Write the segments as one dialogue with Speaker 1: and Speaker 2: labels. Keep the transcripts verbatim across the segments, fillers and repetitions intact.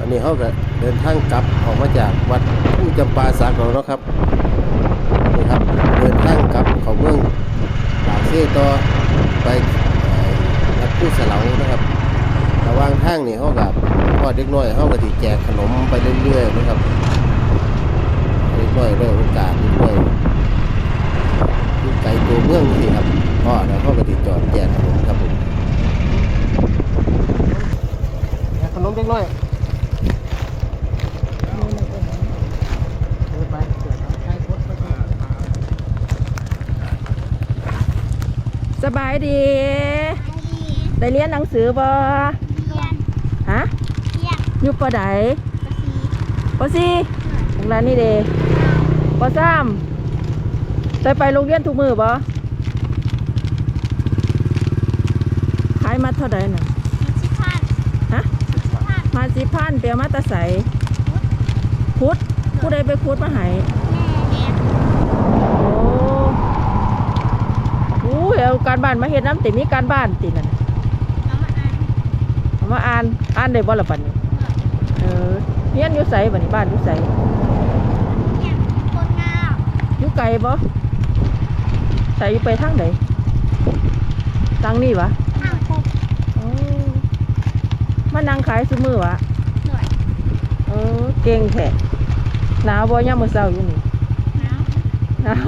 Speaker 1: อนนี้เขาก็เดินทางกลับออกมาจากวัดผู้จำปาสักแล้วเนาะครับนี่ครับเดินทางกลับเขาเมืองปากเซ่ต่อไปวัดผู้เสลานะครับระหว่างทางนี่เขากับพ่อเด็กน้อยเขาก็ติแจกขนมไปเรื่อยๆนะครับเด็กน้อยได้โอกาสเด็กน้อยที่ไกลตัวเมืองนี่ครับพ่อแล้วเขาก็ติจอดแจกขนมครับผมขนมเด็กน้อย
Speaker 2: สบายดีได้เรียนหนังสือบ่ฮะอยู่ปอใดปอสี่โรงเรียนนี่เด้ปอสามได้ไปโรงเรียนทุกมื้อบ่ขายมาเท่าใดน่ะฮะมาสิพันเปียวมาตะใสพุดผู้ใดไปพุดมาให้โอ้ยเอาการบ้านมาเฮ็ดน้ำติมีการบ้านตินั่นเอามาอ่านอ่านได้บ่ล่ะบัดนี้เออเรียนอยู่ไสบัดนี้บ้านอยู่ไสอยู่ไกลบ่ไสอยู่ไปทางใดทางนี้วะโอ้มานั่งขายซุมื้อวะเออเก่งแท้หนาวบ่ยามมื้อเช้าอยู่นี่หนาว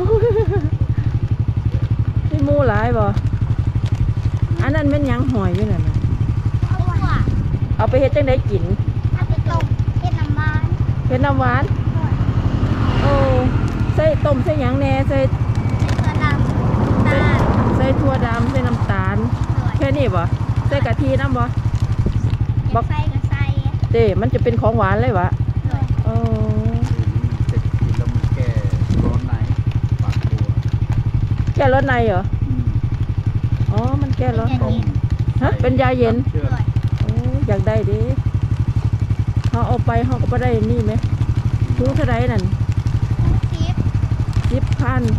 Speaker 2: มีหมูหลายบ่อันนั้นเป็นหยังหอยอยู่นั่นน่ะเอาไปเฮ็ดจังได๋กินเอาไปต้มเฮ็ดน้ำหวานเฮ็ดน้ำหวานโอ้ใส่ต้มใส่หยังแหน่ใส่ถั่วดำใส่ถั่วดำใส่น้ำตาลแค่นี้บ่ใส่กะทิน้ำบ่บ่ใส่ก็ใส่เด้มันจะเป็นของหวานเลยวะโอ้
Speaker 3: เสร็จกินแล้วมันแก้ร้อนในปากบัว
Speaker 2: แก้ร้อนในเหรออ๋อมันแก้ร้อนในฮะเป็นยาเย็นโอ้อยากได้ดิเขาเอาไปเขาก็ไม่ได้นี่ไหมถุงเท่าไรนั่นสิบสิบพัน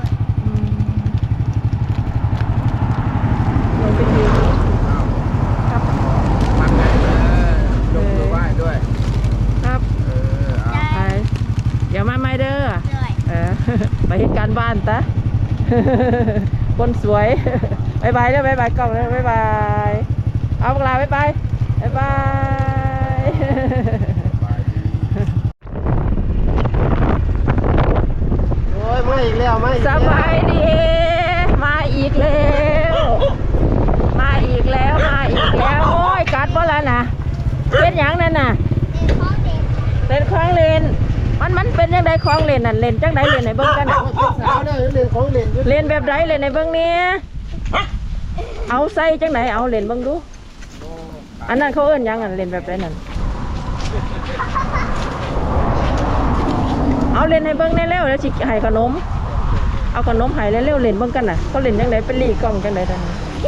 Speaker 2: เราไปดูครับ
Speaker 3: ทำไงเลยยกมือไหว้ด้วย
Speaker 2: ครับเออไปเดี๋ยวมาไม่เด้อเออไปเหตุการณ์บ้านตะคนสวยบายบายเด้อบายบายกล้องเด้อบายบายเอาพวกเราบายบายบายบาย
Speaker 1: โอ้ยมาอีกแล้วมาอีก
Speaker 2: สบายดีมาอีกแล้วมาอีกแล้วมาอีกแล้วโอ้ยกัดบ่แล้วนะเป็นหยังนั่นน่ะเป็นคล้องเลนมันมันเป็นยังไงคล้องเลนนั่นเลนจังไดเลนไหนเบิ้งกัน
Speaker 1: สาวเนี่ยเล่นของเล่น
Speaker 2: เลนแบบไดเลนไหนเบิ้งเนี่ยเอาใส่จังไหนเอาเลนเบิ้งดูอันนั้นเขาเอิ้นยังอันเลนแบบไดนั่นเอาเลนให้เบิ้งได้เร็วแล้วสิให้ขนมเอาขนมให้เร็วๆเลนเบิ้งกันน่ะเขาเลนจังไดเป็นลีกล้องจังไดนั่น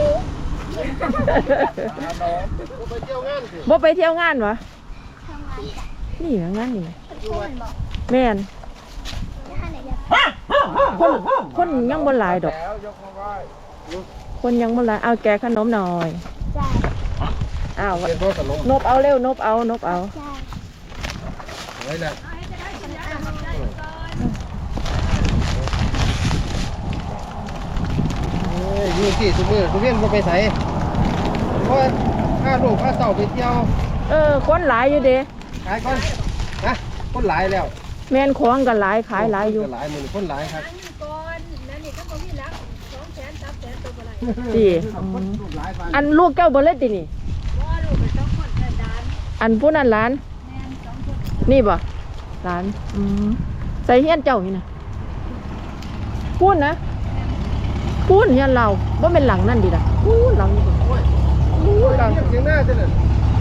Speaker 2: บ่ไปเที่ยวงานวะนี่งานนี่แม่นคนคนยังบ่หลายดอกคนยังบ่หลายเอาแกขนมหน่อยอ้าวนบเอาเร็วนบเอานบเอา
Speaker 1: ไว้ละเอ้ยอยู่ที่ทุกมื้อทุกเว้นบ่ไปไสเพราะพาลูกพาเต้าไปเที่ยว
Speaker 2: เออคนหลายอยู่เด้
Speaker 1: ขายก่อนนะคนหลายแล้ว
Speaker 2: แม่นของกันหลายขายหลายอยู่
Speaker 1: หลายมื้อคนหลายครับ
Speaker 2: ดีอันลูกเจ้าบ่เล็ดดินี่อันผู้นั้นหลานนี่บ่หลานอืมใส่เฮียนเจ้านี่นะพูดนะพูดเฮียนเราบ่เป็นหลังนั่นดิล่ะพูดหลังนี่พูดหลัง
Speaker 1: เสียงหน้าจังเลย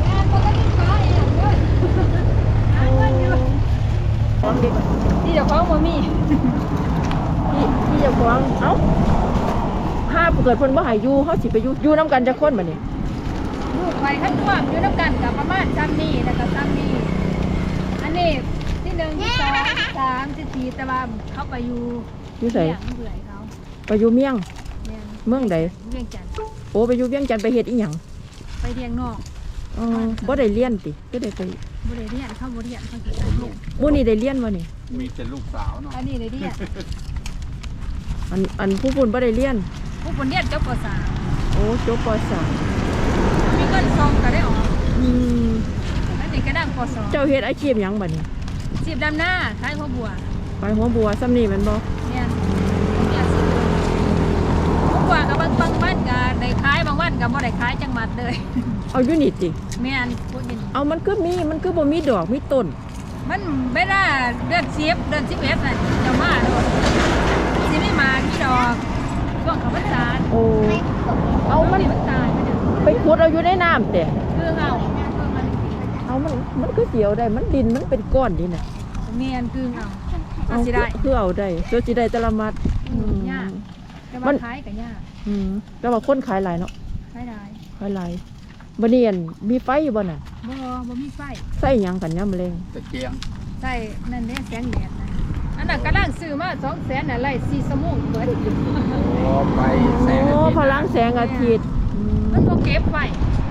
Speaker 2: ที่จะคว้างมามีที่ที่จะคว้างเอ้าห้าเกิดเพิ่นบ่หายอยู่เขาสิไปอยู่อยู่น้ำกันจะค้นบ่นี่
Speaker 4: ลูกไปขั้นร่วมอยู่น้ำกันกับประมาณซ้ำนี่แล้วก็ซ้ำนี่อันนี้ที่หนึ่งที่สองสามที่สี่แต่ว่าเขาไปอยู่
Speaker 2: อยู่ไส
Speaker 4: เบื่อเขา
Speaker 2: ไปอยู่เมียงเมืองใด
Speaker 4: เวียงจันทร์
Speaker 2: โอ้ไปอยู่เวียงจันทน์ไปเฮ็ดอีหยัง
Speaker 4: ไปเทียงนอก
Speaker 2: อ๋อบ่ได้เรียนติก็ได้ไป
Speaker 4: บริเรียนเข้าบริเรียนเขาสิ
Speaker 3: ลูก
Speaker 2: มื้อนี้ได้เรียนบ่นี่
Speaker 3: มีแต่ลูกสาวเนาะ
Speaker 4: อันนี้เลยเรียน
Speaker 2: อันอันผู้ปุ่นบ่ได้เรียน
Speaker 4: ผู้คนเรียนเจ้าปสาม
Speaker 2: โอ้จบปสาม
Speaker 4: มีเงินซองก็ได้ออก
Speaker 2: อืม
Speaker 4: แล้วนี่ก็ดังปสอง
Speaker 2: เจ้าเฮ็ดอาชีพหยังบัดนี้
Speaker 4: สิบดำหน้าขายข้าวบัว
Speaker 2: ไปหัวบัวซ้ำนี่แม่นบ่
Speaker 4: เนี่ยเนี่ยสิข้าวบัวกับบางบางวันก็ได้ขายบางวันก็บ่ได้ขายจังหวัดเลย
Speaker 2: เอาอยู่นี่ติ
Speaker 4: แม่นพูดยิน
Speaker 2: เอามันคือมีมันคือบ่มีดอกมีต้น
Speaker 4: มันเวลาเดือนสิบเดือนสิบเอ็ดน่ะจะมาโดนสิไม่มาที่ดอกช่วงเขาพรรษา
Speaker 2: โอ้เอามัน
Speaker 4: มันตายมันจะ
Speaker 2: ไปขุดเอาอยู่ในน้ำแต่
Speaker 4: คือเอาคือมัน
Speaker 2: เอามันมันคือเสียวได้มันดินมันเป็นก้อนนี่น่ะ
Speaker 4: เมียนคือเอา
Speaker 2: เอา
Speaker 4: สิได้
Speaker 2: คือเอาได้เจ้าสิได้แต่ละมัด
Speaker 4: อืมยาก แต่ว่าขายกับยาก
Speaker 2: อืมแต่ว่าคนขายหลายเนาะ
Speaker 4: ขายได้
Speaker 2: ขายหลายบ่เนียนมีไฟอยู่บ่น่ะ
Speaker 4: บ่บ่มีไฟ
Speaker 2: ใส่หยังกันยามแลง
Speaker 3: ตะเกียง
Speaker 4: ใช่นั่นเด้แสงแดดนะอันนั้นกำลังซื้อมาสองแสนน่ะไล่สี่ชั่วโมงเบิด
Speaker 3: พอไปแสงอา
Speaker 2: โอ้
Speaker 3: ทิตย์
Speaker 2: พลังแสงอาทิตย์อืม
Speaker 4: มันบ่เก็บไฟ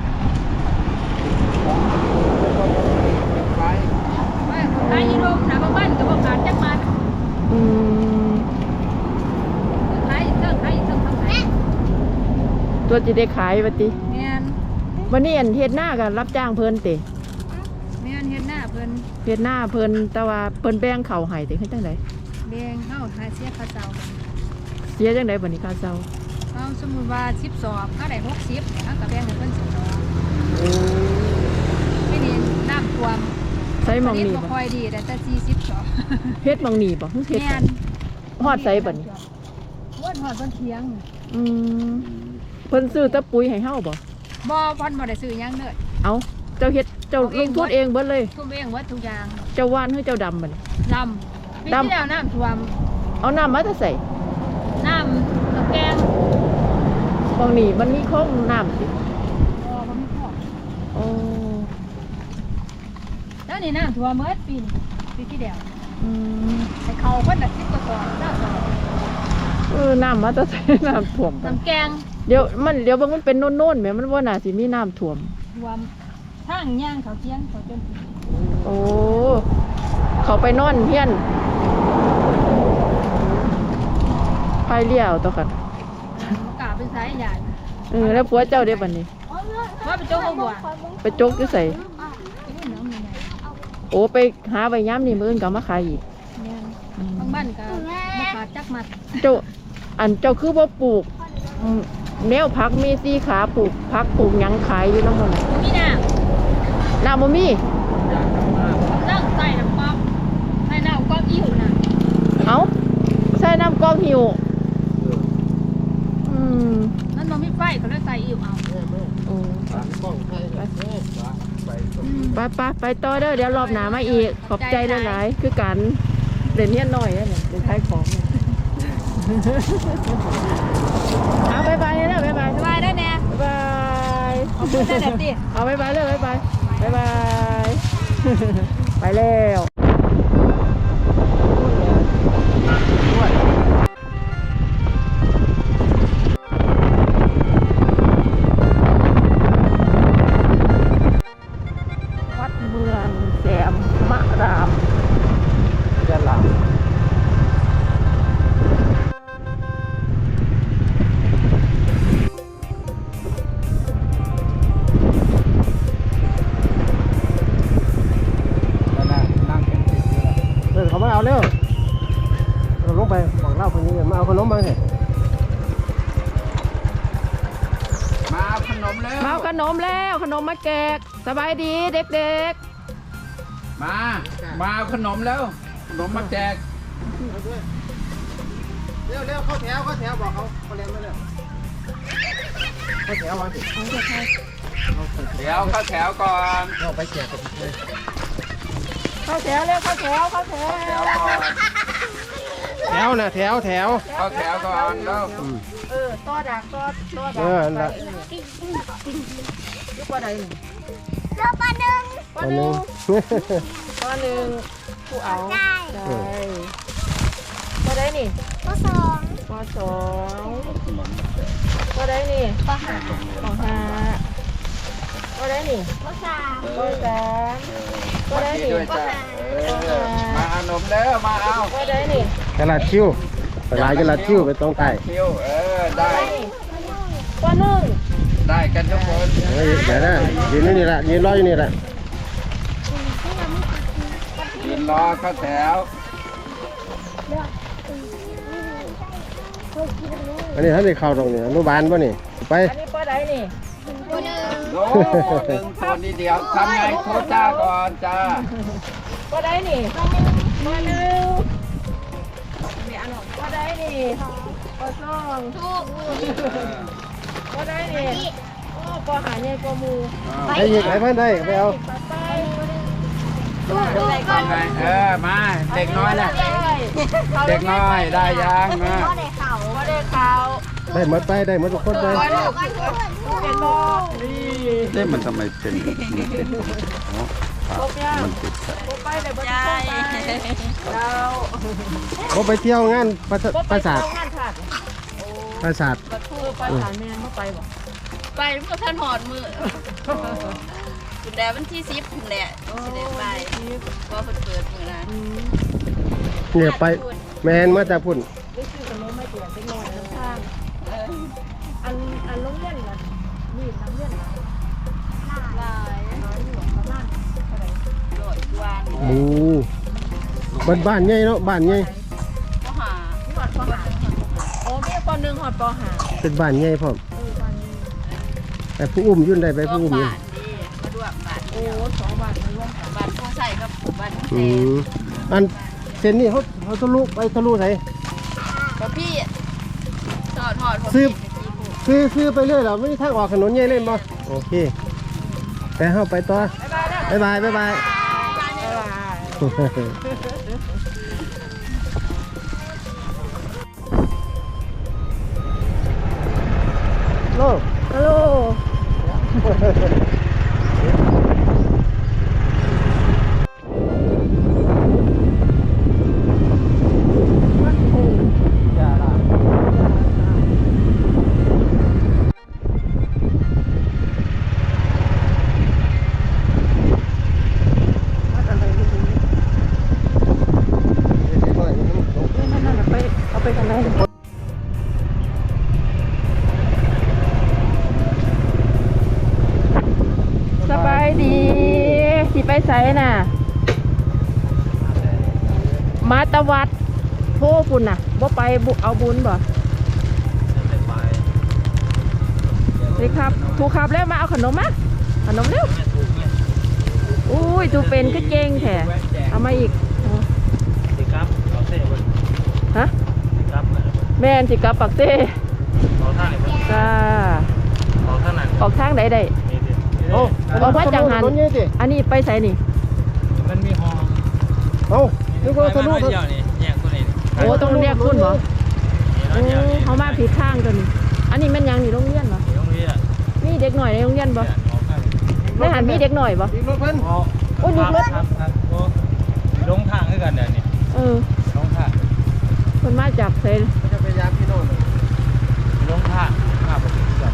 Speaker 3: ไป
Speaker 4: ว่าเขาขายอยี่โรงนะบางบ้านก็บ่ขาดจักมัด
Speaker 2: อืม
Speaker 4: ขายเทิงขายเทิงทำไม
Speaker 2: ตัวสิได้ขายบัดติ
Speaker 4: แม่น
Speaker 2: วันนี้อันเฮ็ดหน้าก็รับจ้างเพิ่นติ
Speaker 4: แม่นเฮ็ดหน้าเพิ่น
Speaker 2: เฮ็ดหน้าเพิ่นแต่ว่าเพิ่นแบ่งข้าวให้ติเฮ็ดจังได๋
Speaker 4: แดงเฮาหาเสียค่าเจ้า
Speaker 2: เสียจังได๋บัดนี้ค่าเช่า
Speaker 4: เอาสมมุติว่าสิบสอบเฮาได้หกสิบเฮาก็แบ่งให้เพิ่นสิบสอบ
Speaker 2: โอ้
Speaker 4: ไม่นี่น้ำท่วม
Speaker 2: ใส่หมองนี่
Speaker 4: บ่
Speaker 2: บ่
Speaker 4: ค่อยดีแต่แต่สี่สิบสอบ
Speaker 2: เฮ็ดหมองนี่บ่เฮ็ด
Speaker 4: แม่น
Speaker 2: ฮอดใส่บัดนี้
Speaker 4: วดฮอดเพิ่นเที่ยง
Speaker 2: อืมเพิ่นซื้อแตะปุ๋ยให้เฮาบ่
Speaker 4: บ่เพิ่นบ่ได้ซื้อหยังเด้อ
Speaker 2: เอาเจ้าเฮ็ดเจ้าลงทุนเองเบิดเลย
Speaker 4: ทุ่มเองวัดทุกอย่าง
Speaker 2: เจ้าว่านให้เจ้าดำบัดนี้
Speaker 4: ดำปี
Speaker 2: ดำ
Speaker 4: ที่แล้วน้ำท่วม
Speaker 2: เอาน้ำมาแต่ใส่
Speaker 4: น้ำตะแกรง
Speaker 2: หมองนี่มันมีคลองน้ำสิ
Speaker 4: บ่บ่มีพอ
Speaker 2: โอ้
Speaker 4: แล้วนี่น้ำท่วมเมื่อปีนี้ปีที่แล้ว
Speaker 2: อืม
Speaker 4: ให้เขาเพิ่นน่ะสิบกว่าสอบเจ้าสอบ
Speaker 2: เออน้ำมาแต่ใส่ น้ำท่วมไป
Speaker 4: น้ำแกง
Speaker 2: เดี๋ยวมันเดี๋ยวเบิ่งมันเป็นโน่นๆแหมมันบ่น่าสิมีน้ำท่วม
Speaker 4: ท่วมทางย่างเขาเที่ยงเขาจน
Speaker 2: โอ้ เขาไปนอนเฮียนไปเลี้ยวตัวกัน
Speaker 4: บ่กล้าไปสายใหญ่
Speaker 2: เออแล้วผัวเจ้าเด้บัดนี้
Speaker 4: ว่าไปโจ้เขาบัว
Speaker 2: ไปจกอยู่ใส่
Speaker 4: นี่น้ำนี่ไง
Speaker 2: โอ้ไปหาใบย้ำนี่มื้ออื่นก็เอามาขายอีก
Speaker 4: แม่นบางบ้านก็บ่ขาดจักมัด
Speaker 2: เจ้าอันเจ้าคือบ่ปลูกอืมแนวผักมีสี่ขาปลูกผักปลูกหยังขายอยู่นำบ่น่ะ
Speaker 4: บ่มีน้ำ
Speaker 2: น้ำบ่มี
Speaker 3: อยากทำมาก
Speaker 4: นั่งใส่น้ำก๊อกใส่น้ำก๊อกอิ่วน่ะ
Speaker 2: เอ้าใส่น้ำกอกหิว
Speaker 3: เออ
Speaker 2: อืม
Speaker 4: มันบ่มีไฟก็เลยใส่อิ่วเอา
Speaker 2: โอ้
Speaker 3: ตามกล้องไปไปไปตรง
Speaker 2: ไปไปไปต่อเด้อเดี๋ยวรอบหน้ามาอีก ขอบใจหลายๆคือกันเด่นเฮียนหน่อยเนี่ยเด่นขายของเนี่ยเอาบายบายเลยนะบายบาย
Speaker 4: สบายได้แน่
Speaker 2: บาย
Speaker 4: ขอบคุณนะเด็ดดิ
Speaker 2: เอาบายบายเลยบายบายบายบายไปแล้ววัดเมืองแสมมะราม
Speaker 3: ยะลานั่งเป็นสิบอยู่แล้ว
Speaker 1: เออเขามาเอาเร็วเราลงไปบอกเล่าคนนี้มาเอาขนมมาสิ
Speaker 3: มาเอาขนมแล้ว
Speaker 2: มาเอาขนมแล้วขนมมาแจกสบายดีเด็ก
Speaker 3: มา มาเอาขนมแล้ว ขนมมาแจก
Speaker 1: เร็วเร็วเข้าแถวเข้าแถวบอกเขาเขาเรียนมาเร็วเข้าแถวมาสิ
Speaker 3: เดี๋ยวเข้าแถวก่อน
Speaker 1: เราไปแจกกันเลย
Speaker 2: ๆเข้าแถวเร็วเข้าแถวเข้าแถว
Speaker 3: แถวก่อน
Speaker 1: แถวนะแถวแถว
Speaker 3: เข้าแถวก่อนแล้ว
Speaker 2: เออต่อดักต่อต่อดั
Speaker 1: เออนั่น
Speaker 2: ไป
Speaker 1: ละ
Speaker 2: ยุบปลาใดหนึ่ง
Speaker 1: อันหนึง
Speaker 2: ปลาหนึ่งผู้เอาได้ปลาใดนี่ปลาสองปลาสองปลาใดนี่ปลาห้าปลาห้าก็ได้นี่
Speaker 3: เอ
Speaker 2: ก็
Speaker 3: อ
Speaker 2: สาม
Speaker 3: เอ
Speaker 2: ก็
Speaker 3: อ
Speaker 2: ได้
Speaker 3: ดี
Speaker 2: นี่
Speaker 3: ด้วยจ้ะเออมาเอานมเด้อมาเอา
Speaker 2: ก็ได้นี่
Speaker 1: กระลาดคิ้วไปลายกระลาดคิ้วไปตรงใต้
Speaker 3: คิวเออได้
Speaker 2: ก็นึ่ง
Speaker 3: ได้กันทุกคน
Speaker 1: เฮ้ยเดี๋ยวนะยืนอยู่นี่แหละยืนรออยู่นี่แหละ
Speaker 3: ยืนรอเข้าแถว
Speaker 1: อันนี้ท่านได้เข้าตรงนี้อนุบาลป่ะนี่ไป
Speaker 2: อันนี้ก็ได้นี่
Speaker 3: โอ้หนึ่งตัวนี้เดียวทำไงโทษจ้าก่อนจ้า
Speaker 2: ก็ได้นี่ก็หนึ่งก็ได้นี่ก็สองก็ได้นี่โอ้ก็หาเนี่ยก็มู
Speaker 1: ไปหยิบไปเพื่อนได้ไปเอา
Speaker 2: ไป
Speaker 3: ทำไงเออมาเด็กน้อยนะเด็กน้อยได้ยังนะ
Speaker 2: ก็ได้ข่าว
Speaker 1: ได้หมดไปได้หมดทุกคนไป
Speaker 2: เป็นบอ
Speaker 3: เอ๊ะมันทำไมเป็นมันเป็นอ๋อ
Speaker 2: ครบยัง
Speaker 3: มันติด
Speaker 2: ครบไปเลยบอได้เรา
Speaker 1: เขาไปเที่ยวงานปราสาทปราสาท
Speaker 2: งานขาด
Speaker 1: ปราสาท
Speaker 2: ประตูปราสาทแม่เขาไปบ่
Speaker 5: ไปเมื่อท่านหอดมือคุณแดวันที่สิบคุณแดสิได้ไปว่าเพิ่นเปิดมือนะ
Speaker 1: เนี่ยไปแมนมาจากพุ่น
Speaker 2: ได้ชื่อขนมไม่เปลี่ยนเป็นหน่อยน้ำทางอันอันลงเล่นล่ะนี่น้ำเล่นล่ะ
Speaker 5: ลาย
Speaker 2: น้อยอยู่ประมาณเท่าไหร่
Speaker 5: ลอยกวน
Speaker 1: หมูบ้านบ้านใหญ่เนาะบ้านใหญ่
Speaker 5: ก็หา
Speaker 2: ที่หอดปอหาโอ้มีปอหนึ่งหอดปอหา
Speaker 1: เป็นบ้านใหญ่พร้อม
Speaker 2: เออวันนี้
Speaker 1: แต่ผู้อุ้มยุ่นได้ไปผู้อุ้ม
Speaker 5: บา
Speaker 1: ยุ่น
Speaker 5: ทดีมาด้วยบาท
Speaker 2: โอ้สองวันมาร่วมกัน
Speaker 5: บาทพอใส่กับบาท
Speaker 1: อื
Speaker 5: เซ
Speaker 1: มอันเส้นนี้เขาเขาทะลุไปทะลุไหน
Speaker 5: ก็พี่หอดหอด
Speaker 1: ซื้อ ซื้อซื้อไปเรื่อยเหรอไม่มีทางออกถนนใหญ่เล่นบ่โอเคไปเข้าไปต่อบ๊ายบายบ๊ายบาย โล
Speaker 2: ฮัลโหลนั่นๆไปเอาไปกันเลยสบายดีสิไปไสน่ะ มาตะวัดโทปุ่นน่ะบ่ไปบุเอาบุญบ่สิครับถูกครับแล้วมาเอาขนมมาขนมเร็วอุ้ยตูเป็นก็เก่งแท้เอามาอีก
Speaker 3: สิครับเอาเส้นบน
Speaker 2: ฮะ
Speaker 3: สิครับ
Speaker 2: แม่นสิกลับปักเต้
Speaker 3: เอาท่าไหนบน
Speaker 2: จ้า
Speaker 3: เอาท่านั้น
Speaker 2: ออกทางใดได้
Speaker 3: นี่ดิ
Speaker 1: โอ้
Speaker 2: บอกว่าจังหัน
Speaker 1: ถนนใหญ่สิ
Speaker 2: อันนี้ไปไสนี่
Speaker 3: มันมีห้อง
Speaker 1: เอ้านึกว่าทะลุ
Speaker 3: เดียวนี่แยกตัวนี้
Speaker 2: โอ้ต้องเรียกคุณบ่
Speaker 3: นี่
Speaker 2: โอ้
Speaker 3: เดียวนี่
Speaker 2: เขามาผิดทางตัวนี้อันนี้แม่นยังนี่โรงเรียนบ่
Speaker 3: ตรงนี้อ่ะ
Speaker 2: มีเด็กหน่อยในโรงเรียนบ่
Speaker 3: ออกข้าง
Speaker 2: ในหันมีเด็กหน่อยบ่
Speaker 1: อีกรถเพิ่น
Speaker 3: อ๋อ
Speaker 2: โอ้ยหยุดรถ
Speaker 3: ครับครับโอ้ลงทางด้วยกันเดี๋ยวนี้
Speaker 2: เออ
Speaker 3: ลงทาง
Speaker 2: คนมาจากไส
Speaker 1: จะพยายามพี่โน่น
Speaker 3: ลงทางข้าไปถึงกัน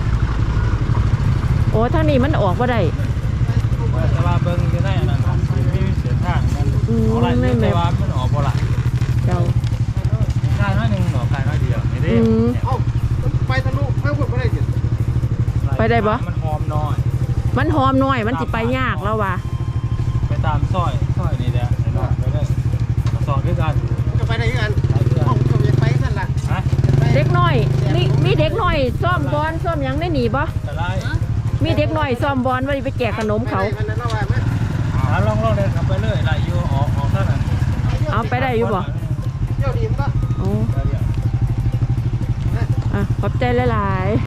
Speaker 2: โอ้ทางนี้มันออกบ่ได้
Speaker 3: แต่ว่าเบิ้งอยู่ในอันนั้นครับมีเสียทางมัน
Speaker 2: อืม
Speaker 3: อะไร
Speaker 2: ไม่แม่
Speaker 3: แต่ว่ามันออกบ่ละ
Speaker 2: เจ้า
Speaker 3: ทางน้อยหนึ่งหนอคายน้อยเดียวนี่ดิ
Speaker 2: อืม
Speaker 1: เอ้าไปทะลุข้างพุ่นบ่ได้สิ
Speaker 2: ไปได้บ่
Speaker 3: มันหอมน้อย
Speaker 2: มันหอมหน่อยมันสิไปยากแล้วว่ะ
Speaker 3: ไปตามซอยซอยนี่แหละไอ้น้องไปเลยมาสอนด้วยกัน
Speaker 1: มันก็ไปได้คือกัน
Speaker 3: ไปเพื่อน
Speaker 1: เอ้าผมอยากไปสั่นล่ะ
Speaker 3: ฮะ
Speaker 2: เด็กน้อยมีมีเด็กน้อยซ่อมบอลซ่อมหยังได้หนีบ่
Speaker 3: แต่ไร
Speaker 2: มีเด็กน้อยซ่อมบอลว่าสิไปแจกขนมเขา
Speaker 1: ไปได้มันนั้นเอาไว้มั้ย
Speaker 3: หาลองลองเดินขับไปเลยไหลอยู่ออกออกเท่านั้น
Speaker 2: เอาไปได้อยู่บ่
Speaker 1: เที่ยวดีมั้ยบ่
Speaker 2: โอ้อ่ะขอบใจหลายๆ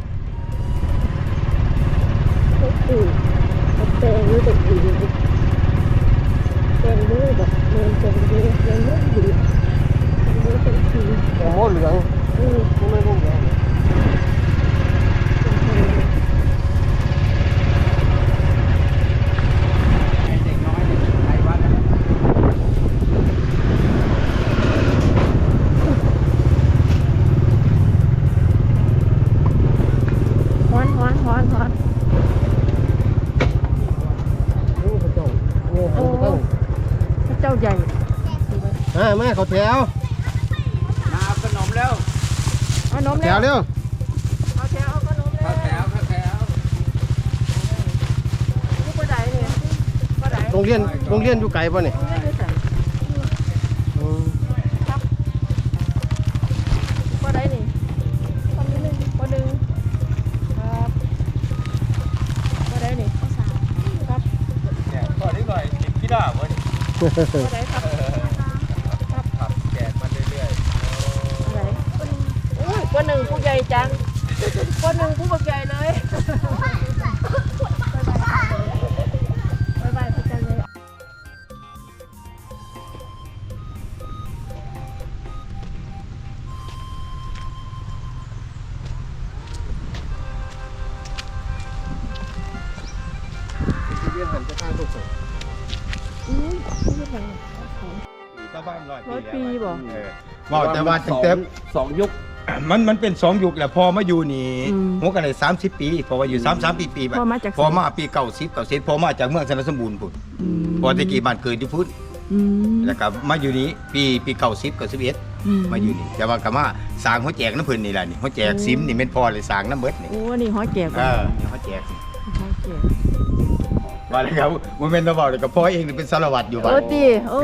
Speaker 2: โอ้โหแต่งรู้แต่ดีแต่งรู้แบบเดินแต่งรู้แต่งรู้ดีแต่งรู้แต่ดี
Speaker 1: โอ้โหเหลือง
Speaker 2: อือ
Speaker 1: มันไม่รุ่งเหลือง
Speaker 3: เด็กน้อยใครวัด
Speaker 2: ฮ้อนฮ้อนฮ้อนฮ้อนวใหญ่
Speaker 1: มามาเขาแถว
Speaker 3: มาเอาขนมแล้ว
Speaker 2: เอานม
Speaker 1: แถ
Speaker 2: แล้ว
Speaker 1: วเร็ว
Speaker 2: เอาแถวเอาขนมแล้
Speaker 3: เข้าว แถวเข้าแถว
Speaker 2: ลูกบ่ได้เลยบ่ได้
Speaker 1: โรงเรียนโรงเรียนอยู่ไกลป่ะนี่
Speaker 2: เอาเงินไปใส่
Speaker 1: อืม
Speaker 2: บ่ได้นี่ตอนนี้หนึ่งบ่หนึ่งครับบ่ได้นี่ครับ
Speaker 3: เนี่ยก่อนนิดหน่อยกินพี่ดาบวะนี่
Speaker 2: บ่ได้ครับ
Speaker 3: ขับแจกมาเรื่อย
Speaker 2: บ่ได้โอ้ยบ่หนึ่งผู้ใหญ่จังบ่หนึ่งผู้บักใหญ่เลยบ๊ายบายพระจันทร์เลย
Speaker 1: เรียนหันจะข้างทุกคน
Speaker 2: อืมไม่ใช่
Speaker 3: ๆก็บ้านร้อย
Speaker 2: ร้อยปี
Speaker 3: แล้ว
Speaker 2: บ่
Speaker 3: เออ
Speaker 1: บอกแต่ว่าตั้งแต่
Speaker 3: สองยุค
Speaker 6: มันมันเป็นสองยุคแหละพอมาอยู่นี่
Speaker 2: อืม
Speaker 6: หัวกันเลยสามสิบปีพอมาอยู่สามสามปีปีแบบ
Speaker 2: พอมาจาก
Speaker 6: พอมาปีเก่าสิบเก่าสิบพอมาจากเมืองสนสมบูรณ์พุ่น
Speaker 2: อืม
Speaker 6: พอตะกี้บ้านเกิดอยู่พุ่น
Speaker 2: อืม
Speaker 6: แล้วก็มาอยู่นี้ปีปีเก่าสิบเก่าสิบเอ็ด
Speaker 2: อื
Speaker 6: มาอยู่นี่แต่ว่าก็มาสร้างหัวแจกน้ำเพิ่นนี่แหละนี่หัวแจกซิมนี่เป็นพอเลยสร้างน้ำเบิดนี่
Speaker 2: โอ้นี่หอยแก่
Speaker 6: เอ
Speaker 2: ก่อน
Speaker 6: อนี่หัวแจก
Speaker 2: หอยแก่
Speaker 6: ว่าแล้วครับมันเป็นระบอกเลยกับพ่อเองนี่เป็นสารวัตรอยู่บ้า
Speaker 2: โอ้
Speaker 6: น
Speaker 2: ตีโอ้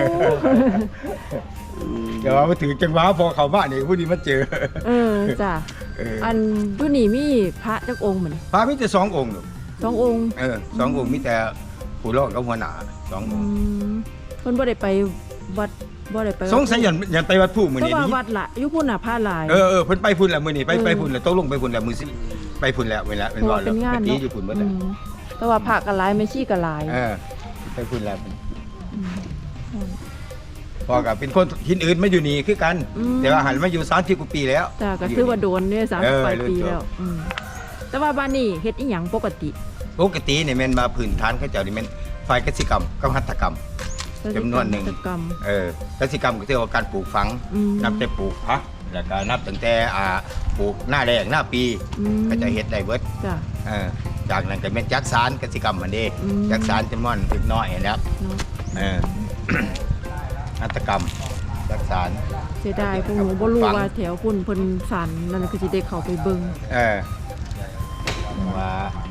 Speaker 6: เดี๋ยวมาถึงจังหวะพอเขามานี่ผู้นี้มาเจอ
Speaker 2: เออจ้ะ
Speaker 6: เออ
Speaker 2: อันผู้นี่มีพระจักองค์เหมือน
Speaker 6: พระมีแต่สององค์ลูก
Speaker 2: สององค์
Speaker 6: เออสององค์มีแต่ผู้รอดกับหัวหน้าสองอ
Speaker 2: อื
Speaker 6: งค์
Speaker 2: มเพิ่นบ่ได้ไปวัดบ่ได้ไป
Speaker 6: สงสัยยันยันไปวัดผู้มื้อ
Speaker 2: เพ
Speaker 6: นี้
Speaker 2: ราะว่า
Speaker 6: นี่
Speaker 2: วัดละอยู่พุ่นน่ะพระหลาย
Speaker 6: เออเออเพิ่นไปพุ่นแล้วมื้อนี้ไป
Speaker 2: เออ
Speaker 6: ไปพุ่นแล้วตกลงไปพุ่นแล้วมื้อสิไปพุ่นแล้วเวลาเป็น
Speaker 2: เพราะ
Speaker 6: ว่า
Speaker 2: ว่า
Speaker 6: แล้
Speaker 2: เป็
Speaker 6: วน
Speaker 2: งาน
Speaker 6: ไปตี
Speaker 2: เนาะ
Speaker 6: อยู่พุ่นเบิด
Speaker 2: อื
Speaker 6: แล้ว
Speaker 2: มแต่ว่าพระก็หลายแม่ชีก็หลาย
Speaker 6: เออไปพุ่นแล้ว
Speaker 2: อืม
Speaker 6: พอกับเป็นคนทินอื่นมาอยู่นี่คือกัน
Speaker 2: อืม
Speaker 6: แต่ว่าหันมาอยู่สามสิบกว่าปีแล้ว
Speaker 2: จ้ะก็ถือว่าโดนเนี่ยสาม
Speaker 6: เอ
Speaker 2: สิบ
Speaker 6: อ
Speaker 2: ปลายปี
Speaker 6: เริ่ม
Speaker 2: แล้วอืมแต่ว่าบ้านนี้เฮ็ดอีหยังปกติ
Speaker 6: ปกติเนี่ยแม่นมาพื้นฐานเขาเจ้านี่แม่นฝ่ายกสิกรรมกับหัตถกรรม จำนวนหนึ่ง
Speaker 2: กิจกรรม
Speaker 6: เออกสิกรรมก็เรียกว่าการปลูกฝัง
Speaker 2: อืม
Speaker 6: นับแต่ปลูกพักแล้วก็นับตั้งแต่อ่าปลูกหน้าแรงหน้าปี
Speaker 2: อืม
Speaker 6: ก็จะเฮ็ดได้เบิด
Speaker 2: จ้ะ
Speaker 6: เออจากนั้นก็เป็นจักสารกสิกรรมมันเด้
Speaker 2: อืม
Speaker 6: จักสารจำนวนเล็กน้อยนะครับ
Speaker 2: เนาะ
Speaker 6: เออ หัตถกรรมจักสาร
Speaker 2: เสียดายพวกหนูบ่รู้ว่าแถวพุ่นเพิ่นสันนั่นคือสิได้เข้าไปเบิ่ง
Speaker 6: เออว่า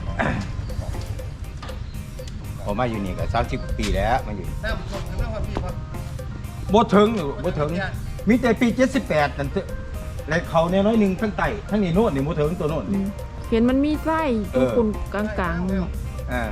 Speaker 6: ผมมาอยู่นี่ก็สามสิบปีแล้วมาอยู่
Speaker 1: น้ำส่งน้ำความพี่ครับ
Speaker 6: บ่ถึงหรือบ่ถึงมีแต่ปีเจ็ดสิบแปดนั่นเถอะและเขาเนี่ยน้อยหนึงทั้งไตทั้งนี้โน่นนี่บ่ถึงตัวโน่น
Speaker 2: อื
Speaker 6: นี่
Speaker 2: มเห็นมันมีไส้
Speaker 6: เอ
Speaker 2: ตัว
Speaker 6: อ
Speaker 2: คุณกลางๆเนาะ
Speaker 6: เออ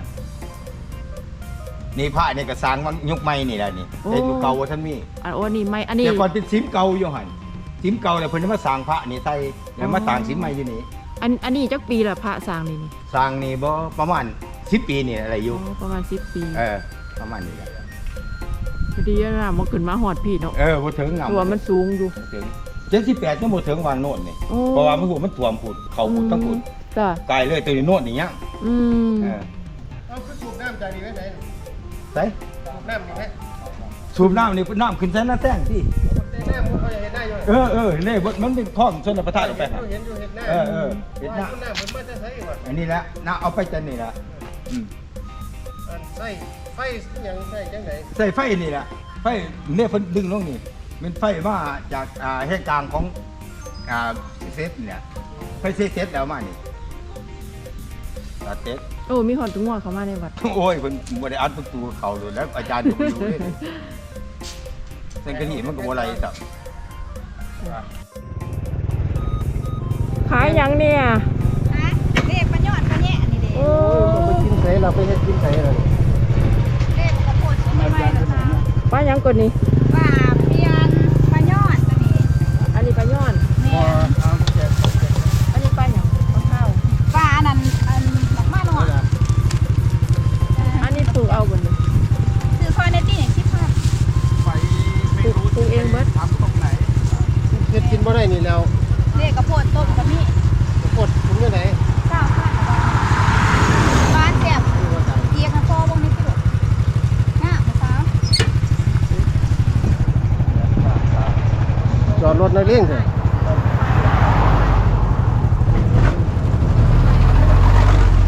Speaker 6: นี่พระนี่ก็สร้างมันยุคใหม่นี่แหละนี่
Speaker 2: โอ้
Speaker 6: แต่ยุคเก่าว่าท่านมี
Speaker 2: อันโอ้นี่ไม่อันนี้
Speaker 6: แต่ก่อนเป็นซิมเก่าอยู่หั่นซิมเก่าแล้วเพิ่นมาสร้างพระนี่ใส่แล้วมาต่างซิมใหม่อยู่นี่
Speaker 2: อันอันนี้จักปีละพระสร้างนี่นี่
Speaker 6: สร้างนี่บ่ประมาณสิบปีนี่อะไรอยู่
Speaker 2: อ๋อประมาณสิบปี
Speaker 6: เออประมาณนี้แหละ
Speaker 2: พอดีนะมันขึ้นมาหอดพี่เนาะ
Speaker 6: เออบ่ถึงงาม
Speaker 2: ตัวมันสูงอยู่
Speaker 6: บ่ถึงเจ็ดสิบแปดยังบ่ถึงวางโน่นนี่
Speaker 2: โอ้
Speaker 6: เพราะว่ามันหูมันท่วมพุ่นเขาพุ่นทั้งพุ่น
Speaker 2: จ้ะ
Speaker 6: ไกลเลยตัวนี้โน่นนี่ยัง
Speaker 2: อืม
Speaker 6: เออ
Speaker 1: เอาคือสูบน้ำจากนี่ไว้ไหน
Speaker 6: ใส่
Speaker 1: สูบน้ำนี่ไหม
Speaker 6: สูบน้ำนี่น้ำขึ้นใส่หน้าแท่งที่
Speaker 1: แต่น้ำมันเขาจะเห็นได้อยู่
Speaker 6: เออเออนี่มันเป็นคลองชนประทานออกไปหา
Speaker 1: เห็นอยู่เห็นหน้า
Speaker 6: เออเออเห็นหน้า
Speaker 1: ว่าน้ำมันมาจะใช้ก่อน
Speaker 6: อันนี้แหละน่าเอาไปจันนี่แหละอืม
Speaker 1: อันใส่ไฟหยังใส่จังไหน
Speaker 6: ใส่ไฟนี่แหละไฟเนี่ยเพิ่นดึงลงนี่เป็นไฟมาจากอ่าแห่งกลางของอ่าเซตเนี่ยไฟเซตเซตแล้วมานี่ตัดเซต
Speaker 2: โอ้มีหอดตุ้งหัวเข้ามาในวัด
Speaker 6: โอ้ยเพิ่นบ่ได้อัดประตูเข้าเลยแล้วอาจารย์ก็บ่รู้เลยเส้นกระนี่มันก็บ่ไหลครับ
Speaker 2: ขายหยังเนี่ย
Speaker 4: ฮะเด็กปลาหยอดปลาแยะนี่เด็ก
Speaker 2: โอ้
Speaker 1: ไปกินใส่เราไปเฮ็ดกินใส่เรา
Speaker 4: เด็กกระโปดชิ้นใหม่ๆนะคะ
Speaker 2: ป้าหยังกดนี่
Speaker 4: ปลาเปียนปลาหยอดตัวนี้
Speaker 2: อันนี้ปลาย้อน
Speaker 4: แม่
Speaker 2: อันนี้ปลาหยังปลาข้าว
Speaker 4: ปลาอันนั้นอันหลักมาหน่อย
Speaker 2: อันนี้ปลูกเอาบนนี้
Speaker 4: ซื้อคอยในตี้อย่างคิดภาพ
Speaker 3: ไปไม่รู้
Speaker 2: ปลูกเองเบิด
Speaker 3: ทำตรงไหน
Speaker 1: เฮ็ดกินบ่ได้นี่แล้ว
Speaker 4: เด็กกระโปดต้มกระมี่
Speaker 1: กดถุงยังไง
Speaker 4: เก้าข้าวบ้านแซ่บเกียร์กันโซ่วงนี้พี่หลวงง่ามนะคะ
Speaker 1: จอดรถในเร่งเถอะ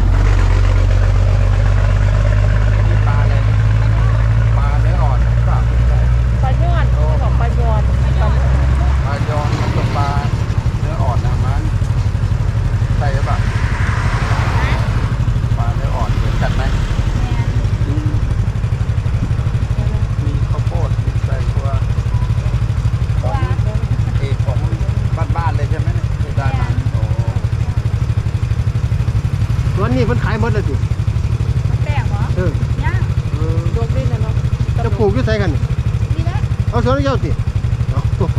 Speaker 3: มีปลาอะไรปลาเนื้ออ่อนหรือเปล่า
Speaker 1: ปลูกอยู่ไสกันนี่
Speaker 4: นี่นะ
Speaker 1: เอาสวนเจ้าติเอา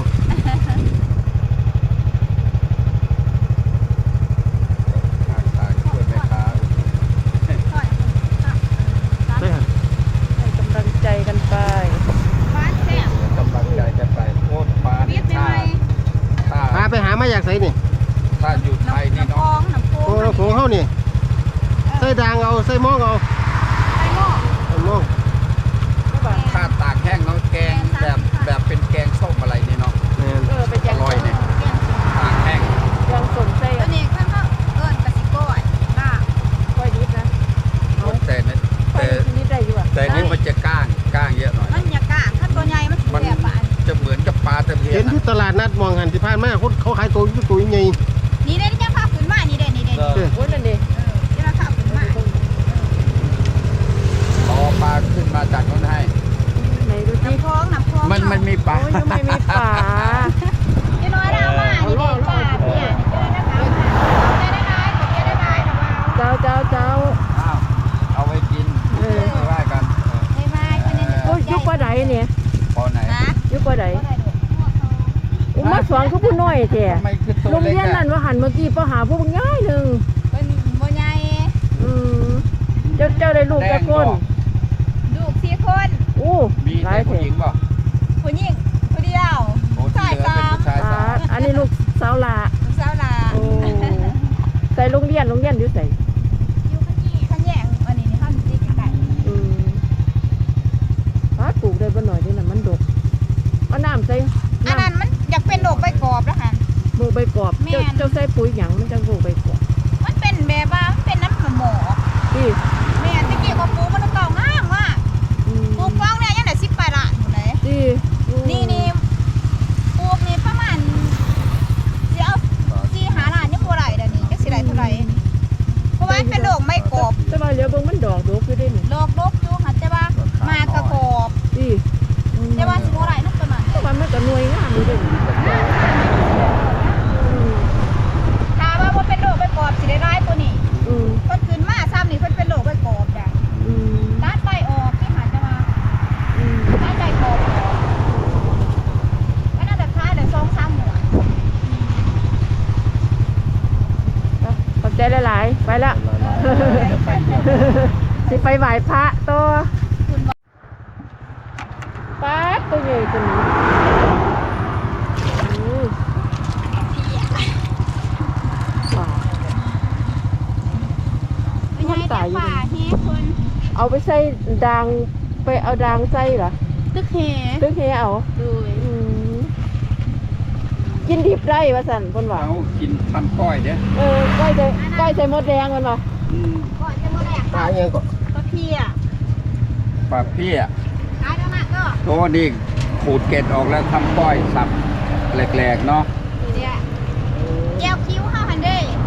Speaker 3: ขายขายช่วยแม่ค้า
Speaker 4: ค่อย
Speaker 1: ได้หั่น
Speaker 2: ให้กำลังใจกันไป
Speaker 4: บ้านแซ่บ
Speaker 3: กำลังใจจะไปโคตรฟ้า
Speaker 4: เวียดใหม่
Speaker 3: ถ้า
Speaker 1: พาไปหามาจากไสนี่
Speaker 3: ถ้าอยู่ไทยนี่
Speaker 4: น้ำคล
Speaker 3: เนาะ
Speaker 4: องน้ำโข
Speaker 1: โอ้
Speaker 4: ง
Speaker 1: เราของเฮานี่ใส่ด่างเอาใส่หม้องเอา
Speaker 4: ไปหม้อ
Speaker 1: ใส่หม้อง
Speaker 3: ถ้าตากแห้งเนาะแกงแบบแบบเป็นแกงส้มอะไรนี่เนาะ
Speaker 1: แม่น
Speaker 2: เออไปแจ
Speaker 3: อก ร่อยเนี่ยตากแห้ง
Speaker 2: ยังสนใจ
Speaker 4: ตัวนี้ข้างเขาเอิ้นกะสิก้อยลาบ
Speaker 2: ก้อยนิดนะ
Speaker 3: โอ้แต่เนี่ย
Speaker 2: ก้อ
Speaker 3: แต่
Speaker 2: ยนิดได้อยู่อ่ะ
Speaker 3: แต่นี่มันจะก้างก้างเยอะหน่อย
Speaker 4: มันอยากกะถ้าตัวใหญ่มันสิ
Speaker 3: มัน
Speaker 4: แซ่บปาน
Speaker 3: จะเหมือนกับปลาตะเพีย
Speaker 1: เห็น
Speaker 3: น
Speaker 1: ที่ตลาดนัดมองหันที่ผ่านมาคนเขาขายตัวอยู่ตัวใหญ่
Speaker 4: นี่เด้ที่จะพาขึ้นมานี่เด้นี่เด้
Speaker 3: เออ
Speaker 2: โอ้ยนั่นดิ
Speaker 4: เออที่เราพาขึ้นมา
Speaker 3: เอาปลาขึ้นมาจากนู้นให้
Speaker 2: ไหนดูสิ
Speaker 4: น้ำคลองน้ำคลอง
Speaker 3: มันมันมีปลา
Speaker 2: โอ้ยยังไม่มีป่า
Speaker 4: จะน้อยเรามานี่เด้ปลาเนี่ยนี่เด้นะคะเอาได้ได้เอาได้ได้เอา
Speaker 2: เจ้าเจ้าเจ้า
Speaker 3: อ้าวเอาไว้กิน
Speaker 2: เออ
Speaker 3: ไม่ว่ากัน
Speaker 4: ได้ไหมคนนี้
Speaker 2: โอ้ยยุกว่าใดเนี่ย
Speaker 3: พอไหน
Speaker 4: นะ
Speaker 2: ยุกว่าใด
Speaker 4: ก็ได้ดอก
Speaker 2: อุ้มมาสอนเขาผู้น้อยแท้
Speaker 3: ทำไมคือตัว
Speaker 2: โรง
Speaker 3: เล็ก
Speaker 2: เรียนนั่น
Speaker 3: อะ
Speaker 2: ว่าหันเมื่อกี้ป้าหาผู้ง่ายหนึ่ง
Speaker 4: เป็นบ่ใหญ่
Speaker 2: อืมเจ้าเจ้าได้ลูก
Speaker 3: แด
Speaker 2: แก่
Speaker 3: ง
Speaker 2: คน
Speaker 3: บ่
Speaker 4: ลูกสี่คน
Speaker 2: โอ้
Speaker 3: มี
Speaker 2: หลา
Speaker 3: แต่
Speaker 2: ย
Speaker 3: ผู้
Speaker 2: แท้
Speaker 3: หญิงบ่
Speaker 4: ผู้หญิงผู้เดียว
Speaker 3: โอ้ที่
Speaker 4: ชาย
Speaker 3: เหลือ
Speaker 4: สา
Speaker 3: เป็น
Speaker 4: ม
Speaker 3: ผู้ชาย
Speaker 2: ปา
Speaker 3: สาม
Speaker 2: ดอันนี้ลูกสาวหลา
Speaker 4: ลูกสาวหลา
Speaker 2: โอ้ใส่โรงเรียนโรงเรียนอยู่ใส่
Speaker 4: อยู่ข้างนี้ข้างแยกอันนี้นี่ห้ามตีกันได้
Speaker 2: อืมปาดปลูกได้บ่หน่อยนี่น่ะมันดกเอาน้ำใส่
Speaker 4: อัน
Speaker 2: น้ำ
Speaker 4: นั้นมันอยากเป็นโรคใบกรอบแล้วค่ะ
Speaker 2: หมูใบกรอบ
Speaker 4: แม่น
Speaker 2: เจ้าเจ้าใส่ปุ๋ยหยังมันจะหมูใบกรอบ
Speaker 4: มันเป็นแบบว่ามันเป็นน้ำหมอก
Speaker 2: พี่
Speaker 4: แม่ตะกี้ก็ปลูกมันเก่างามว่ะ
Speaker 2: อืม
Speaker 4: ปลูกฟ้องเนี่ยยังได้สิบปลายละอยู่เลย
Speaker 2: พี่อืม
Speaker 4: นี่นี่ปลูกนี่ประมาณสิเอาสี่หาล้านยังบ่ได้เดี๋ยวนี้จักสิได้เท่าไหร่เพราะว่ามันเป็นโรคใบกรอบ
Speaker 2: แต่ว่าเหลือเบิ่งมันดอกดกอยู่เด้นี่
Speaker 4: โรคโรคอยู่ค่ะแต่ว่ามากระกอบ
Speaker 2: พี่อืม
Speaker 4: แต่ว่าสิบ่ได้นักประมาณ
Speaker 2: แต่ว่ามันก็หน่วยงามอยู่เด้นี่อืม
Speaker 4: ถ้าว่าบ่เป็นโรคใบกรอบสิได้ร้ายตัวนี้
Speaker 2: อืม
Speaker 4: เพิ่นขึ้นมาซ้ำนี่เพิ่นเป็นโรคใบกรอบจ้ะ
Speaker 2: อืม
Speaker 4: ตัดใบออกที่หาจะมา
Speaker 2: อืม
Speaker 4: ตัดใบกรอบออกก็น่าจะคล้ายเลยสองสามหมวด
Speaker 2: เอาขอบใจหลายๆไปละ สิไปไหว้พระตัวป๊าดตัวใหญ่ตัวนี้อืมว้าว
Speaker 4: ไม่ใช่แต่ป่าเฮ้คน
Speaker 2: เอาไปใส่ด่างไปเอาด่างใส่เหรอ
Speaker 4: ตึกเฮ
Speaker 2: ตึกเฮเอา
Speaker 4: เลย
Speaker 2: อืมกินดิบได้ว่าสั่นคนว่า
Speaker 3: เอากินทำก้อยเนี่ย
Speaker 2: เออก้อยใส่ก้อยใส่มดแดงมันว่า
Speaker 3: อืม
Speaker 4: ก่อนจะมาแดก
Speaker 1: ๆปลาเอียงก็
Speaker 4: ก็เพีย
Speaker 3: ปลาเพี้ย
Speaker 4: ขายแล้วมากก็
Speaker 3: ตัวนี้ขูดเกล็ดออกแล้วทำก้อยสับแหลกๆเนาะ
Speaker 4: เนี่ยแก้วคิ้วห้าพันเด้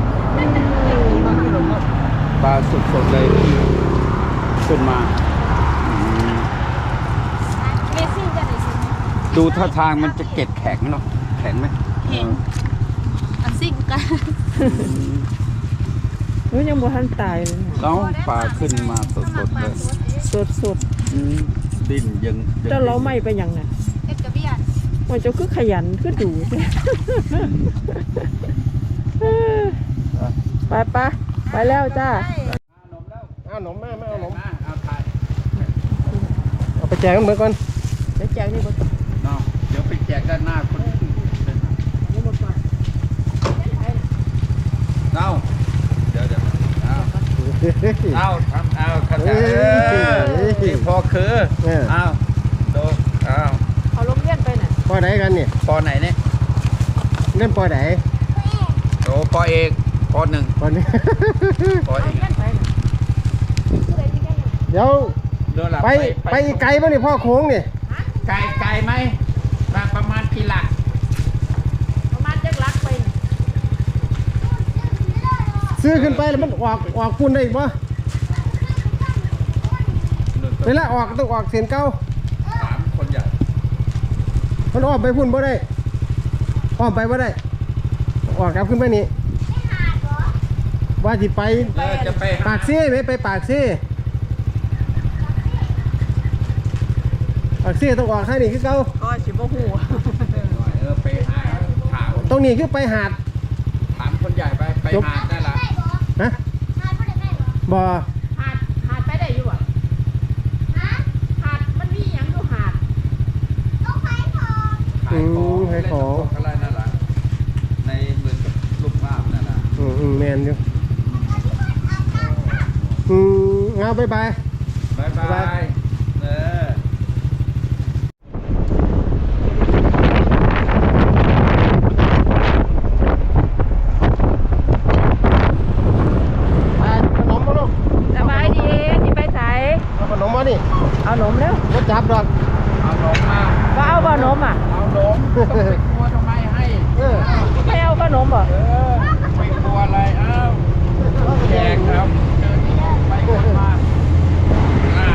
Speaker 3: ปลาสดๆเลยขึ้นมาอืม
Speaker 4: เมซี่จะได้ซื้อ
Speaker 3: ดูท่าทางมันจะเกล็ดแข็งเนาะแข็งไหม
Speaker 4: แข็งอันซิ่งกัน
Speaker 2: เฮ้ยยังบ่ทันตายเลยเนี่ย
Speaker 3: แล้วปลาขึ้นมาสดๆเลย
Speaker 2: สดสด
Speaker 3: อืมดิ้นยัง
Speaker 2: ๆเจ้าเราไม่ไปหยังน่ะ
Speaker 4: เอ็ดกระเบียน
Speaker 2: ว่าเจ้าคือขยันคือดู ไปปะไปแล้วจ้า
Speaker 1: เอาหนมแม่ไม่เอาหนม
Speaker 3: มาเอาถ่าย
Speaker 1: เอาไปแจกกันเหมือนกัน
Speaker 2: เดี๋ยวแจกนี่บ่ต้อง
Speaker 3: เนาะเดี๋ยวไปแจกด้านหน้าคนอื่น
Speaker 2: นี่บ่ก่อน
Speaker 3: เอาเดี๋ยวเดี๋ยวเอา เอาทำเอาขัน
Speaker 1: เอ้
Speaker 3: เอย อที่พอคือ
Speaker 1: เออ
Speaker 3: เอาดูเอา
Speaker 2: เอาลงเรียนไปน่ะ
Speaker 1: ปอไหนกันนี่
Speaker 3: ปอไหนเนี่ย
Speaker 1: เล่นปอไหน
Speaker 3: โอ้ปอเอกปอหนึ่ง
Speaker 1: ปอนี้
Speaker 3: ปอ
Speaker 2: เอา
Speaker 3: เอก
Speaker 2: เรียนไปน่ะ
Speaker 1: เดี๋ยว
Speaker 3: เดินหลับ
Speaker 1: ไปไปอีกไกลป่ะนี่พ่อโค้งนี่
Speaker 3: ไกลไกลไหมมาประมาณกี่หลัก
Speaker 2: ประมาณจักลักไปน่ะ
Speaker 1: ซื้อขึ้นไปแล้วมันออกออกฝุ่นได้อีกปะเวลาออกต้องออกเสียนเก้า
Speaker 3: สามคนใหญ่
Speaker 1: มันออกไปฝุ่นบ่ได้ออกไปบ่ได้ออกกลับขึ้นไปนี่ว่าจิไป
Speaker 3: แล้วจะไป
Speaker 1: ปากซี่ไหมไปปากซี่ปากเสียต้องออกข้างนี้คือเก่า
Speaker 2: ก็สิบ่ฮู้
Speaker 3: เออไปหาถาม
Speaker 1: ตรงนี้คือไปหาด
Speaker 3: ถามคนใหญ่ไปไปหาได้ละ
Speaker 1: ฮะบ่
Speaker 2: หาดหาดไปได้อยู่บ่หาดมันมีหยังอยู่หาด
Speaker 3: ขายของเล่นตกอะไรนั่นแหละในเหมือนกับลูกบ้านนั่นแหละ
Speaker 1: อืมอืมแมนอยู่อืมเอาบายบาย
Speaker 3: บายบายเออ
Speaker 1: ไปขนมมาลูก
Speaker 2: สบายดีสิไปไส
Speaker 1: เอาขนมมานี่
Speaker 2: เอานมแล้ว
Speaker 1: รถจับดอก
Speaker 3: เอาลงมา
Speaker 2: ว่าเอาบ่นมอ่ะ
Speaker 3: เอาลงต้องไปกลัวทำไมให้
Speaker 1: เออ
Speaker 2: ไม่เอาขนมบ่
Speaker 3: เออไปกลัวอะไรเอ้าแจกครับเดินไปคนมาอ่า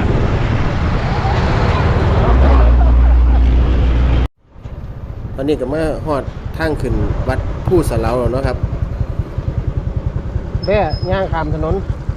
Speaker 1: ตอนนี้ก็มาฮอดทางขึ้นวัดผู้สะเหลาแล้วเนาะครับแบ่ย่างข้ามถนน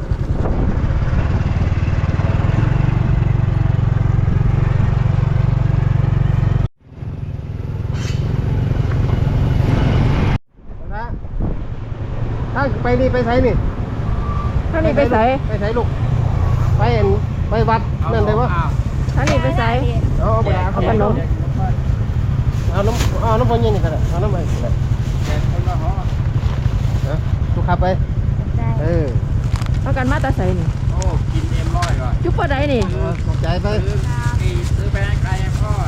Speaker 1: ถ้าไปนี่ไปไสนี่
Speaker 2: ท่านนี่ไปไส
Speaker 1: ไปไสลูกไปเห็นไปวัดนั่นได้ปะ
Speaker 2: ท่านนี่ไปไส
Speaker 1: เอาเอาไปเอาขนมเอาน้ำเอาน้ำพนยังนี่ก็ได้เอาน้ำไปก็ได้
Speaker 3: แจกคนละห่อ
Speaker 1: นะลูกขับไปเออ
Speaker 2: เอากันมาแตาไสนี่
Speaker 3: โอ้กินเอ็มร้อยก่อน
Speaker 2: จุ๊บบ่ได้นี่
Speaker 1: เอาขอบใจไป
Speaker 3: ซื้อกี่ซื้อไปให้ใครให้พ่อ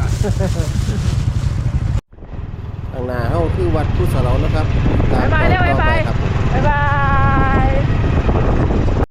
Speaker 1: ทางหน้าเฮาคือวัดผู้สะเหลานะครับตม
Speaker 2: บ๊ายบายเด้อ
Speaker 1: ต่อ
Speaker 2: บ๊ายบาย
Speaker 1: ไปครับผม
Speaker 2: บ๊ายบาย